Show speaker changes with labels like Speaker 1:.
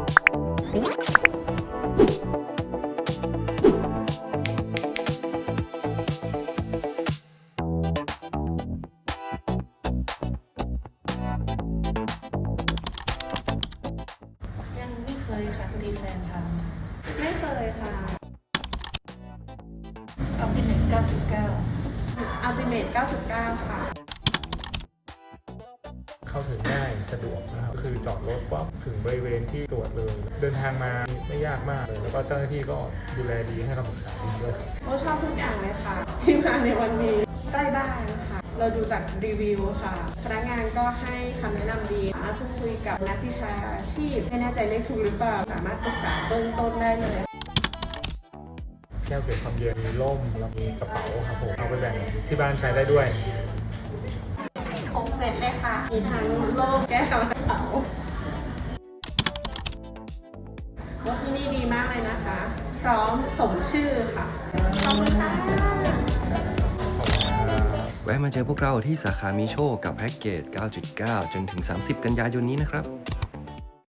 Speaker 1: ยังไม่เคยค่ะพอดีแฟนทำไม่เคยค่ะเอาเป็น9.9 Ultimate 9.9 ค่ะ
Speaker 2: เข้าถึงง่ายสะดวกนะครับคือจอดรถปั๊บถึงบริเวณที่ตรวจเลยเดินทางมาไม่ยากมากเลยแล้วก็เจ้าหน้าที่ก็ดูแลดีให้คำปรึกษาดีด้วย
Speaker 1: โอ้ชอบทุกอย่างเลยค่ะ ที่มาในวันนี้ใกล้บ้านค่ะเราดูจากรีวิวค่ะพนักงานก็ให้คำแนะนำดีสามารถพูดคุยกับนักวิชาชีพไม่แน่ใจเลขถูกหรือเปล่าสามารถปรึกษาเบื้องต้นได้เลย
Speaker 2: แก้วเก็บความเย็นมีร่มแล้วมีกระเป๋าครับผมเอาไปแบ่งที่บ้านใช้ได้ด้วย
Speaker 1: ครบเสร็จเลยค่ะ มีทั้งโล่แก้วกระเป๋าว่าที่นี่ดีมากเลยนะคะ พร้อมสมชื่อค่ะ ขอบคุณค่ะ
Speaker 3: แวะมาเจอพวกเราที่สาขามีโชคกับแพ็กเกจ 9.9 จนถึง 30 กันยายนนี้นะครับ